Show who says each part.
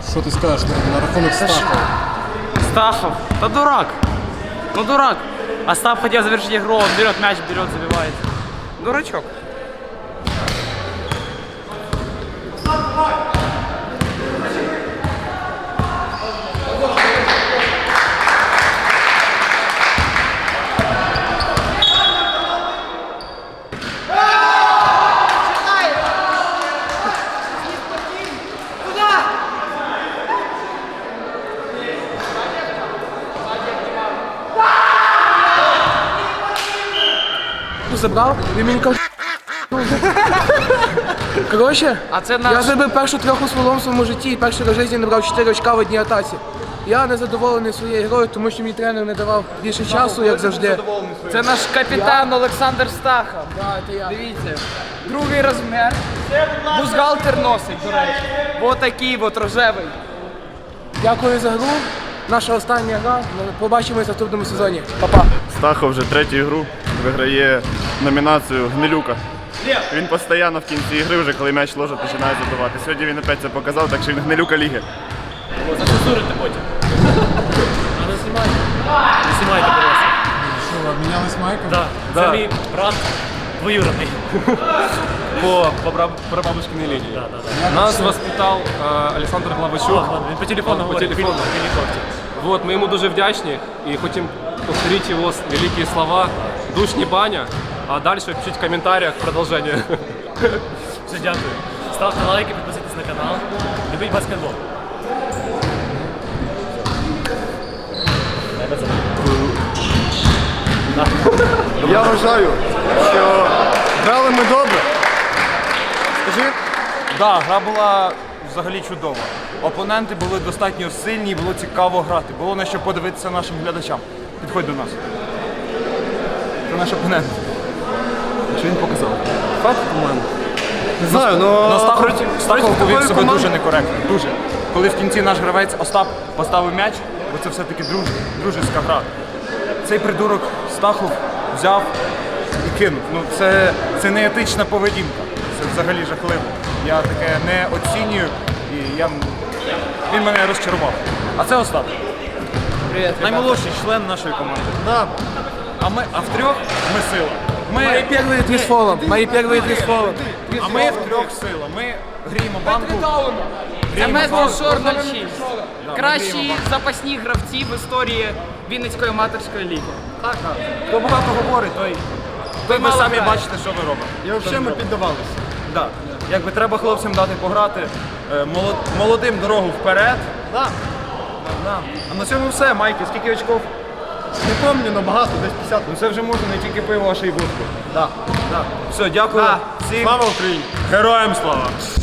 Speaker 1: Що ти скажеш на рахунок Стахова?
Speaker 2: Стахов, да дурак. Ну дурак. Остап хотел завершить игру, он берет мяч, забивает. Дурачок.
Speaker 3: Забрав, він мені кав... Коротше, я зробив першу трьоху сволом в своєму житті і перший раз в житті набрав 4 очка в одній атаці. Я не задоволений своєю грою, тому що мій тренер не давав більше часу, як завжди.
Speaker 2: Це наш капітан Олександр Стахов.
Speaker 3: Да, це я.
Speaker 2: Дивіться, другий розмір. Бузгалтер носить, до речі. Ось такий от рожевий.
Speaker 3: Дякую за гру. Наша остання гра. Побачимось в наступному сезоні. Па-па.
Speaker 4: Стахов вже третю ігру виграє номінацію Гнилюка. Він постійно в кінці ігри, вже коли м'яч ложить, починає забивати. Сьогодні він опять це показав, так що він Гнилюка ліги.
Speaker 5: Зацензурите потім. А не знімайте. Не знімайте, будь ласка.
Speaker 1: Що, ви обмінялись майком?
Speaker 5: Так, це мій брат двоюродний.
Speaker 6: По прабабушкиной линии. Нас воспитал Александр Главачук.
Speaker 5: Він по телефону говорить,
Speaker 6: телефону.
Speaker 5: в гелікоптері.
Speaker 6: Вот, мы ему дуже вдячні и хотим повторить его великие слова «Душ не баня», а дальше чуть в комментариях продолжение.
Speaker 5: Все, дякую. Ставте лайки, підписуйтесь на канал. Любіть баскетбол.
Speaker 4: Я вважаю, що грали ми добре.
Speaker 7: Скажи? Да, гра була взагалі чудова. Опоненти були достатньо сильні і було цікаво грати. Було на що подивитися нашим глядачам. Підходь до нас. Це наш опонент. Що він показав? Факт, по-моєму.
Speaker 4: Не знаю, но...
Speaker 7: Стахов повів себе дуже некоректно. Дуже. Коли в кінці наш гравець Остап поставив м'яч, бо це все-таки дружеська гра. Цей придурок Стахов взяв і кинув. Ну, це не етична поведінка. Це взагалі жахливо. Я таке не оцінюю і він мене розчарував. А це Остап.
Speaker 2: Привіт,
Speaker 7: Наймолодший член нашої команди.
Speaker 4: Да.
Speaker 7: А втрьох ми сила.
Speaker 3: Мої перші три з фолом. Мої перші три з фолом.
Speaker 7: А ми втрьох сила. Ми гріємо банку.
Speaker 2: Семестр Шор 06. Кращі запасні гравці в історії Вінницької аматорської ліги.
Speaker 7: Хто багато говорить, той ви
Speaker 2: мало
Speaker 7: самі
Speaker 2: грає.
Speaker 7: бачите, що ви робите.
Speaker 4: І взагалі ми піддавалися.
Speaker 7: Да. Якби треба хлопцям дати пограти, молодим дорогу вперед.
Speaker 4: Да.
Speaker 7: Да. А на цьому все, Майки, скільки очков?
Speaker 4: Не пам'ятаю, але багато, десь 50.
Speaker 7: Ну це вже можна не тільки пиво, а ще й водку. Да. Да. Все, дякую. Всім.
Speaker 4: Слава Україні!
Speaker 7: Героям слава!